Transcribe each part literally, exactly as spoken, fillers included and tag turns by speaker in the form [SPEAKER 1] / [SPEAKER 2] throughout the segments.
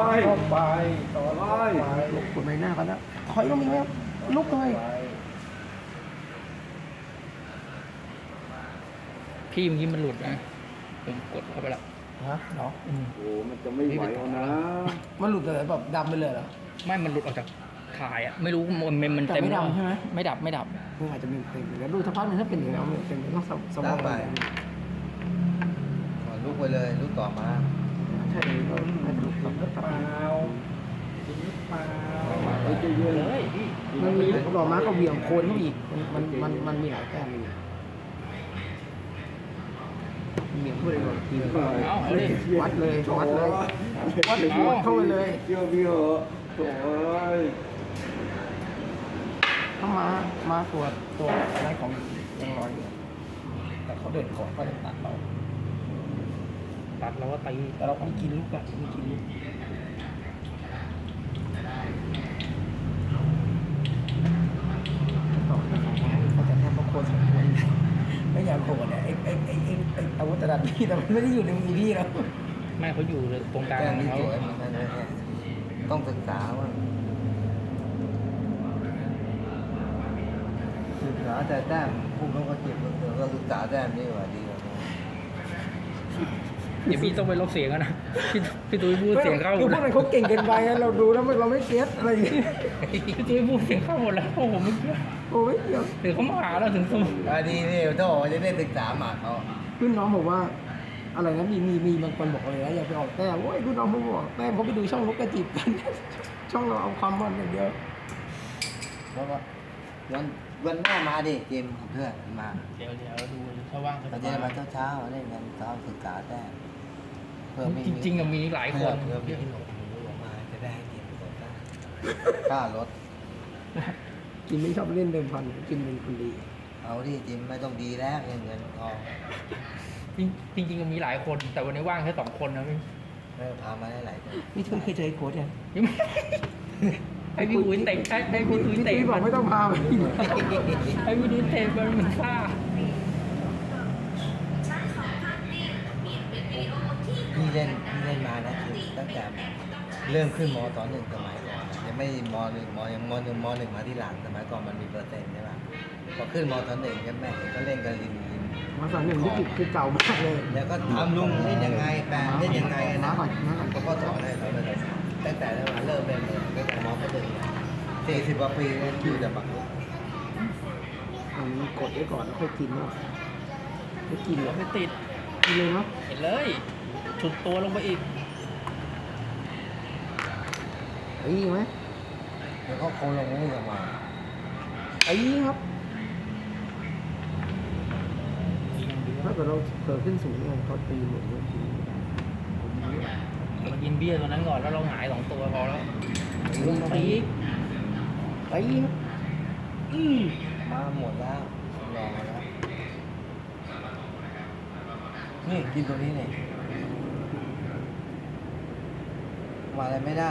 [SPEAKER 1] เข้าไปต่อไป
[SPEAKER 2] ลุกกดใบหน้ากันนะถอยลงอีกแล้วลุกเลย
[SPEAKER 3] พี่เมื่อกี้มันหลุดนะผมกดเข้าไปแล้ว
[SPEAKER 2] ฮะเนาะ
[SPEAKER 3] อืม
[SPEAKER 1] โอ้มันจะไม่ไหวเอานะ
[SPEAKER 2] มันหลุดเลยแบบดำไปเลยเหรอ
[SPEAKER 3] ไม่มันหลุดออกจากถ่ายอ่ะไม่รู้มันมันมัน
[SPEAKER 2] แต่
[SPEAKER 3] เต็ม
[SPEAKER 2] ไม่ดำใช่ไหม
[SPEAKER 3] ไม่ดับไม่ดับ
[SPEAKER 2] มันอาจจะมีเต็มแล้วดูสักพักหนึงถ้าเป็นอย่างนี้นเป็นต้องสมอง
[SPEAKER 4] ไปลุกไปเลยลุกต่อมา
[SPEAKER 2] ใช่เราอาจจะลุกต่อ
[SPEAKER 1] หรือเปล่าจริงหรือเปล่าเฮ้ยใจเย็น
[SPEAKER 3] เลยพี่
[SPEAKER 2] มันมีดอกไม้ก็เบี่ยงโคนเข้าอีกมันมันมันมีหลายแต้มอยู่เบี่ยงเข้าไปเลยก่อนที
[SPEAKER 3] เอาเอาดิ
[SPEAKER 2] วัดเลยวัดเลยวัดเลยวัดเข้าไปเลย
[SPEAKER 1] เชื่อพี่เหอะโถ่เอ้ย
[SPEAKER 2] เข้ามามาตัวตัวอะไรของยังลอยอยู่แต่เขาเดินก่อนก็เลยตัดเรา
[SPEAKER 3] ตัดแล้วก็ตี
[SPEAKER 2] แต่เราไม่กินลูกอะไม่กินลูกต่อให้สองไม้เขาจะแทบพวกโคนสองคนไม่อยากโหดเนี่ยไอ้ไอ้ไอ้ไอ้ไอ้อาวุธตระดับพี่แต่มันไม่ได้อยู่ในมือพี่แล้ว
[SPEAKER 3] แม่เขาอยู่เลยตรงกลาง
[SPEAKER 4] แก้ม
[SPEAKER 3] ของ
[SPEAKER 4] ที่
[SPEAKER 3] เขา
[SPEAKER 4] สวยมันนั่นแหละต้องศึกษาว่าศึกษาแต่แต้มผู้เขาก็เจ็บเออก็ศึกษาแต้มนี่ว่าดีกว่า
[SPEAKER 3] เดี๋ยวพี่ต้องไปลบเสียงกันนะพี่พี่ตุ้ยพูดเสียงเข้าห
[SPEAKER 2] คื
[SPEAKER 3] ม
[SPEAKER 2] อ
[SPEAKER 3] ด
[SPEAKER 2] พวกนั้นเขาเก่งเกินไปอะเราดูแล้วเราไม่เก็ตอะไรอย่างเงี้ย
[SPEAKER 3] พี่ตุ้ยพูดเสียงเข้าหมดแล้วโอ้โหไม่เกี่ยว
[SPEAKER 2] โอ้ยเดี๋ยว
[SPEAKER 3] เดี๋ยวเขามาหาเราถึงสมุ
[SPEAKER 4] อ่าดีนี่ถ้าบอกว่าจะได้ศึกษาหมากเขา
[SPEAKER 2] รุ่นน้องบอกว่า อะไรนะมีมีมีบางคนบอกเลยนะอย่าไปออกแต้มโอ้ยรุ่นน้องเขาบอกแต้มเขาไปดูช่องลูกกระจิบกัน ช่องเราเอาความมันอย่างเดียว
[SPEAKER 4] เพราะว่าวันวันหน้ามาดิเกมเพื่อนมา
[SPEAKER 3] เดี๋ยวเดี๋ยวดูถ้าว่างก็
[SPEAKER 4] เรา
[SPEAKER 3] จะ
[SPEAKER 4] จะได้
[SPEAKER 3] มา
[SPEAKER 4] มาเช้าๆเล่นกันเช้าศึกษาแต้มเพื่อไม่
[SPEAKER 3] จริงๆอะมีหลายคน
[SPEAKER 4] เพื่อมีหนกหนูออกมาจะได้เกมก่อนได้ค่ารถ
[SPEAKER 2] กินไม่ชอบเล่นเดิมพันกินเป็นคนดี
[SPEAKER 4] เอาดิจิมไม่ต้องดีแล้วเงินเงินทอง
[SPEAKER 3] จริงจริงๆมีหลายคน แต่วันนี้ว่างแค่สองคนนะพี่
[SPEAKER 4] ไม่พามาได้หลายคน
[SPEAKER 2] นี่ทุนเคยเจอไอ้โค้ชยัง
[SPEAKER 3] ยังไม่ให้พี่ตุ้ยเตะให้ให้พี่ตุ้ย
[SPEAKER 2] พี่
[SPEAKER 3] เตะ
[SPEAKER 2] ตุ้ยบอกไม่ต้องพาไป
[SPEAKER 3] ให้พี่ตุ้ยเตะมันเหมือนซ่า
[SPEAKER 4] พี่เล่นพี่เล่นมานะคือตั้งแต่เริ่มขึ้นมตอนหนึ่งสมัยก่อนนะยังไม่มหนึ่งมยังมหนึ่งมหนึ่งมาที่หลังสมัยก่อนมันมีเปอร์เซ็นต์ใช่ป่ะพอขึ้นมตอนหนึ่งใช่ไหมก็เล่นกันริมริม
[SPEAKER 2] มาสอนหนึ่งที่คือเก่ามากเลย
[SPEAKER 4] แล้วก็ทำลุงเล่นยังไงแปลเล่นยังไง
[SPEAKER 2] มา
[SPEAKER 4] นะ
[SPEAKER 2] ก่อนมาก่อน
[SPEAKER 4] เขาก็สอนให้เราเลยตั้งแต่เราเริ่มเล่นเลยตั้งแต่มก็หนึ่งสี่สิบกว่าปีเล่นอยู่แต่ปักลุก
[SPEAKER 2] อันนี้กดไว้ก่อนแล้วค่อยกินเนาะไม่กินเหรอ
[SPEAKER 3] ไม่ติด
[SPEAKER 2] กินเลยเนาะ
[SPEAKER 3] เห็นเลยฉุดตัวลงไปอีก
[SPEAKER 2] ไอ้ไหม
[SPEAKER 4] แล้วก็โค้งลงนี่ออกมา
[SPEAKER 2] ไอ้ครับถ้าเกิดเราเกิดขึ้นสูงเนี่ยเขาตีหมดเลยที
[SPEAKER 3] มันยินเบี้ยตัวนั้นก่อนแล้วเราหงายสองตัวพอแล้วลงไปอีก
[SPEAKER 2] ไอ้ครับอืม
[SPEAKER 4] มาหมดแล้วรอแล้วนี่กินตัวนี้เนี่ยมาอะไรไม่ได้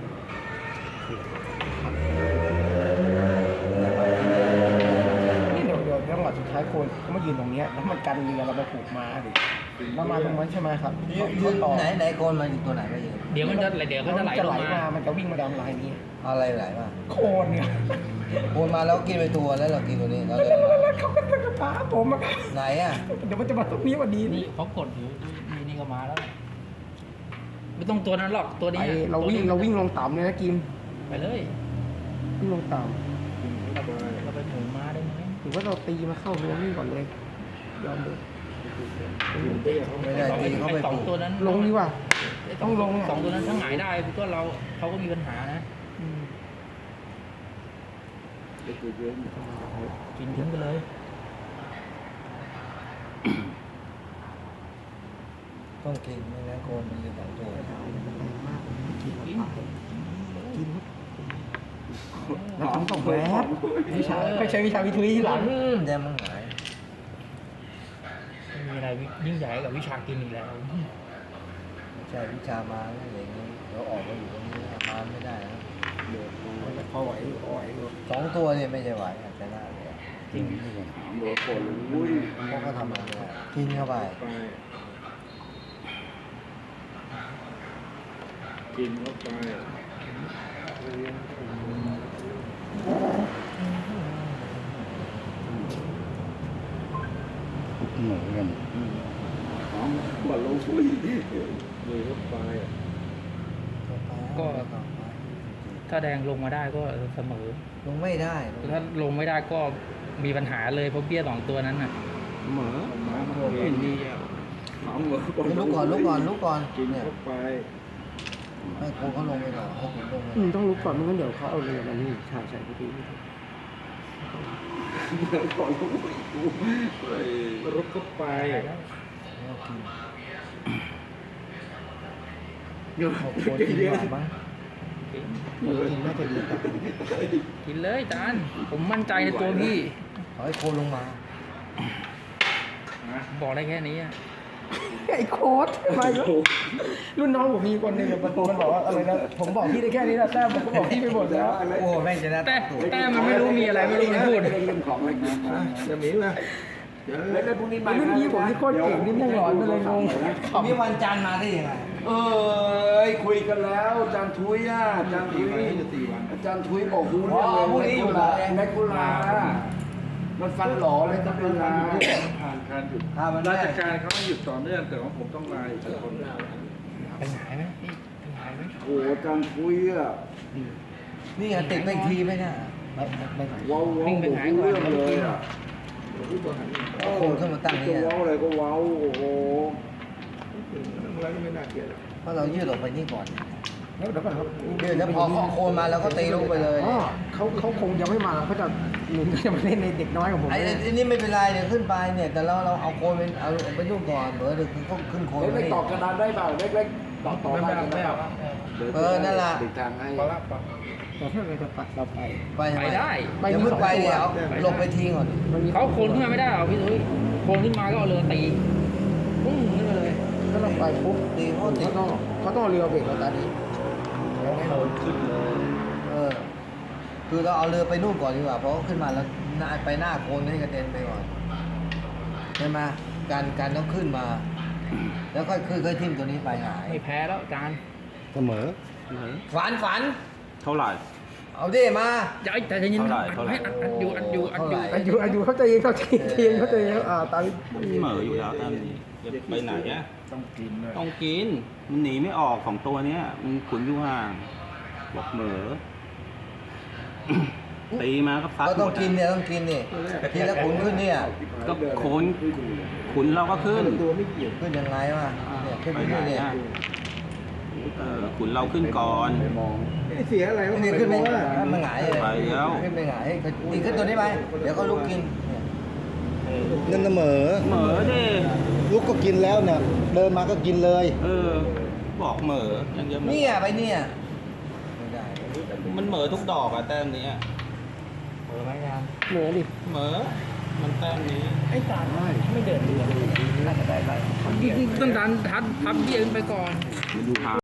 [SPEAKER 2] นี่เดี๋ยวเดี๋ยวจังหวะสุดท้ายโคนเขามายืนตรงเนี้ยแล้วมันกันเรือเราไปผูกมาดิเรามาตรงนั้นใช่ไหมครับ
[SPEAKER 4] ยืนยืน
[SPEAKER 2] ต่อ
[SPEAKER 4] ไหนไหนโคนมันอยู่ตัวไหนก็ยืน
[SPEAKER 3] เดี๋ยวมันจะเดี๋ยวก็จะไหล
[SPEAKER 2] จะ
[SPEAKER 3] ล
[SPEAKER 2] ไหล
[SPEAKER 3] ง
[SPEAKER 2] มา
[SPEAKER 3] มา
[SPEAKER 2] มันจะวิ่งมาดามลายนี้
[SPEAKER 4] อะไรไหลมา
[SPEAKER 2] โคนเนี่ย
[SPEAKER 4] โคนมาแล้วกินไปตัวแล้วเรากินตัวนี้เรา
[SPEAKER 2] แล้ว
[SPEAKER 4] เดิน
[SPEAKER 2] แล้วแล้วเขาก็จะป้าผมอะ
[SPEAKER 4] ไหนอ่ะ
[SPEAKER 2] เดี๋ยวมันจะมาตรงนี้วันนี้
[SPEAKER 3] นี่เขากดอยู่นี่นี่ก็มาแล้ว ไม่ต้องตัวนั้นหรอกตัวนี้
[SPEAKER 2] ไอเราวิ่งเราวิ่งลงต่ำเลยนะกิม
[SPEAKER 3] ไปเลย
[SPEAKER 2] วิ่งลงต่
[SPEAKER 3] เราไปหมุนมาได้ไหม
[SPEAKER 2] ำถือว่าเราตีมาเข้าเรือนี่ก่อนเลยยอมเลย
[SPEAKER 4] ไม่ได้ตีเขาไป
[SPEAKER 3] สอ
[SPEAKER 4] ป
[SPEAKER 3] ง
[SPEAKER 4] ลูก
[SPEAKER 3] ตัวนั้น
[SPEAKER 2] ลงดีกว่า ต้องลงอะ
[SPEAKER 3] สองตัวนั้นถ้าหงายได้ก็เราเขาก็มีปัญหานะ
[SPEAKER 2] อืม
[SPEAKER 1] ใจเย็น
[SPEAKER 3] กินทิ้งไปเลย
[SPEAKER 4] ต้องกินไม่งั้นโคนมันจะสองตัว
[SPEAKER 2] กินกินแล้วทำส่งแวบวิชาไม่ใช่วิชาวิทุยที่หลัง
[SPEAKER 4] อืมเดี๋ยวมันหาย
[SPEAKER 3] ไม่มีอะไรยิ่งใหญ่กับวิชากินอีกแล้ว
[SPEAKER 4] ไม่ใช่วิชามาอะไรอย่างนี้เราออกมาอยู่ตรงนี้มาไม่ได้นะ
[SPEAKER 1] เดือดร้อน
[SPEAKER 2] พอไหวพอไหว
[SPEAKER 4] สองตัวเนี่ยไม่ใช่ไหวอาจจะได้เลย
[SPEAKER 3] จริง
[SPEAKER 1] ถามโดนคนอุ้ย
[SPEAKER 4] เพราะเขาทำมาเนี่ยกินเข้าไป
[SPEAKER 1] ไปกินเข้าไป
[SPEAKER 5] เหมือนกัน
[SPEAKER 1] ของบอลลงคุยเลยเข้าไป
[SPEAKER 3] ก็ ถ้าแดงลงมาได้ก็เสมอ
[SPEAKER 4] ลงไม่ได้
[SPEAKER 3] ถ้าลงไม่ได้ก็มีปัญหาเลยเพราะเบี้ยสองตัวนั้นน่ะ
[SPEAKER 2] เหมอ
[SPEAKER 1] น้ำมันเห็นดีอ่ะของเหมือน
[SPEAKER 4] ลุกก่อนลุกก่อนลุกก่อน
[SPEAKER 1] กิน
[SPEAKER 4] เนี่ย
[SPEAKER 1] เข้าไป
[SPEAKER 4] ให้โค้เขาลงไปก่อนให้ผมลงไป
[SPEAKER 2] อืมต้องลุกก่อนไม่งั้นเดี๋ยวเขาเอาเรือมานี่ใช่ใช่พี่
[SPEAKER 1] ก่อนลงไปกูเฮ้ยรถเข้าไป
[SPEAKER 4] แล้วกิน
[SPEAKER 1] เดี๋ยว
[SPEAKER 4] เอาโค้กินก่อนบ้าง
[SPEAKER 2] เออกินน่าจะดีกว่า
[SPEAKER 3] กินเลยจานผมมั่นใจในตัวพี่
[SPEAKER 4] ขอให้โค้ลงมา
[SPEAKER 3] บอกได้แค่นี้อะ
[SPEAKER 2] ไอ้โค้ดทำไมวะรุ่นน้องผมมีคนหนึ่งอะมันมันบอกว่าอะไรนะผมบอกพี่ได้แค่นี้นะแต้มผมก็บอกพี่ไปหมดแล้ว
[SPEAKER 4] โอ้แม่งจะได้
[SPEAKER 3] แต่แต่มันไม่รู้มีอะไรไม่รู้มันพูด
[SPEAKER 1] เรื่องของอะไรกินนะจะมีไหมเดี๋ยวเล่นพวกนี้
[SPEAKER 2] ไอ้รุ่นพี่ผมที่โคตรเก่งนี่แม่งหลอนไปเลยงง
[SPEAKER 4] มีวันจันทร์มาได้ยังไง
[SPEAKER 1] เอ้ยคุยกันแล้วอาจารย์ทุยอ่ะอาจารย์ทุยอาจารย์ทุยบอกฮู้เรื่องเลยแมคคุลามันฟันหล่อเลยต้องเป็นลาผ่านการหยุด
[SPEAKER 4] ถ้ามัน
[SPEAKER 1] รา
[SPEAKER 4] ได้
[SPEAKER 1] ชการเขาไม่หยุดต่อเนื่องแต่ว่าผมต้องลาอีกคน
[SPEAKER 3] เป็นหายไหมพี่เป็นหายไหม
[SPEAKER 1] โอ้อาจารย์ทุยอ่ะ
[SPEAKER 4] นี่ไงติดไปอีกทีไหมเนี่ยไม่ไม่ไม่
[SPEAKER 1] ว้าวว้าวรู้เรื่องเลยอ่ะ
[SPEAKER 4] เอาโค้ขึ้นมาตั้งนี่
[SPEAKER 1] จะ
[SPEAKER 4] อะ
[SPEAKER 1] ว้าวอะไรก็ว้าวโอ้โหอะไรก็ไม่น่าเกลียด
[SPEAKER 4] เพราะเรายืดออกไปนี่ก่อน
[SPEAKER 2] แล้วเดี๋ยวก่อนครับ
[SPEAKER 4] ยืดแล้วพอเขาเอาโคนมาแล้วก็ตีลูกไปเลย
[SPEAKER 2] อ๋อเขาเขาคงยังไม่มาเขาจะหนุนก็จะมาเล่นในเด็กน้อยของผม
[SPEAKER 4] ไอ้ไอ้นี่ไม่เป็นไรเดี๋ยวขึ้นไปเนี่ยแต่เราเราเอาโคนเป็นเอาไปลูกก่อนเบอร์เดี๋ยวเขาขึ้นโคน
[SPEAKER 1] เล็ก
[SPEAKER 4] นี่
[SPEAKER 1] ๆต่อกระดานได้เปล่าเล็กๆต่อต่อได้ไม่เอา
[SPEAKER 4] เออนั่นล่ะ
[SPEAKER 1] ติดทางให้
[SPEAKER 2] แต่ถ้าเราจะปัดเราไป
[SPEAKER 4] ไปทำ
[SPEAKER 3] ไป
[SPEAKER 4] ม
[SPEAKER 3] ได้
[SPEAKER 2] ไป
[SPEAKER 4] เดี๋ยว
[SPEAKER 2] มี
[SPEAKER 4] ขึ้
[SPEAKER 2] ส
[SPEAKER 4] น
[SPEAKER 2] อง
[SPEAKER 4] ไป
[SPEAKER 2] ตัว
[SPEAKER 4] เดี๋ยวเอาลงไปทิ้งก่อน
[SPEAKER 2] มันมี
[SPEAKER 3] เขาโคนขึ้นมาไม่ได้หรอกพี่ตุ้ยโคนขึ้นมาก็เอาเรือตีปุ้งขึ้นมาเลย
[SPEAKER 2] ถ้าเราไปปุ๊บ
[SPEAKER 4] ตีเขาตี
[SPEAKER 2] เขาต้องเขาต้องเอาเรือเบรกเราตอนนี้
[SPEAKER 4] เออคือเราเอาเรือไปนู่นก่อนดีกว่าเพราะขึ้นมาแล้วหน้าไปหน้าโคนให้กระเด็นไปก่อนใช่ไหมการการต้องขึ้นมา แล้วค่อยขึ้นค่อยทิ่มตัวนี้ไปหาย
[SPEAKER 3] ไม่แพ้แล้วจาน
[SPEAKER 5] เสมอ
[SPEAKER 4] ฝันฝัน
[SPEAKER 5] เท่าไหร่
[SPEAKER 4] เอาดิมา
[SPEAKER 3] อย่าไอ้แต่จะยิน
[SPEAKER 5] เท่าไหร่
[SPEAKER 3] อัด
[SPEAKER 5] เท่าไหร่
[SPEAKER 3] ให้อัดอัดอยู่อัดอยู่อัดอยู่
[SPEAKER 2] อายุอายุเขาใจเย็นเขาใจเย็นเขาใจเย็นอ่าตาม
[SPEAKER 5] เสมออยู่แล้วตามนี้จะไปไหนอะ
[SPEAKER 1] ต้องกินเลย
[SPEAKER 5] ต้องกิน มันหนีไม่ออกของตัวเนี้ย มันขุนอยู่ห่างบอกเหมอ ตีมาก็พัด
[SPEAKER 4] ก็
[SPEAKER 5] ห
[SPEAKER 4] ต้อ
[SPEAKER 5] ม
[SPEAKER 4] ง
[SPEAKER 5] ด
[SPEAKER 4] กิน
[SPEAKER 5] อะ
[SPEAKER 4] เนี่ยต้องกินนี่ทีละขุนขึ้นเนี่ย
[SPEAKER 5] ก็โคนขุนเราก็ขึ้น
[SPEAKER 1] ตัวไม่เกี่ยว
[SPEAKER 4] ขึ้นยังไงวะเนี่ยขึ้น
[SPEAKER 5] ไป
[SPEAKER 4] ไป
[SPEAKER 5] ไหน
[SPEAKER 4] นี่เนี่ย
[SPEAKER 5] อะเออขุนเราขึ้นก่อน
[SPEAKER 1] ไปมองไม่เสียอะไรวะ
[SPEAKER 4] นี่ขึ้นไป
[SPEAKER 1] ว่า
[SPEAKER 4] มันหงายเลย
[SPEAKER 5] ไปแล้ว
[SPEAKER 4] ขึ้นไปหงายนี่ขึ้นตัวนี้ไปเดี๋ยวก็ลุกกินเนี่ย
[SPEAKER 5] นั่นเสมอเหมอดิ
[SPEAKER 6] ลูกก็กินแล้วเนี่ย เดินมาก็กินเลย
[SPEAKER 5] เออ บอกเหมอยังจะเหมอ
[SPEAKER 4] เนี่ยไปเนี่ยไม่ได้
[SPEAKER 5] มันเหมอทุกดอกอะแต้มนี้อะ
[SPEAKER 3] เออไหมจาน
[SPEAKER 2] เหนือดิ
[SPEAKER 5] เหมอ มันแต้มนี้
[SPEAKER 3] ไอ้จานไม่เดินเรือเลย
[SPEAKER 2] น่าจะได้ไป
[SPEAKER 3] ต้องดันทัดพับเบี้ยขึ้นไปก่อน
[SPEAKER 5] ดูหา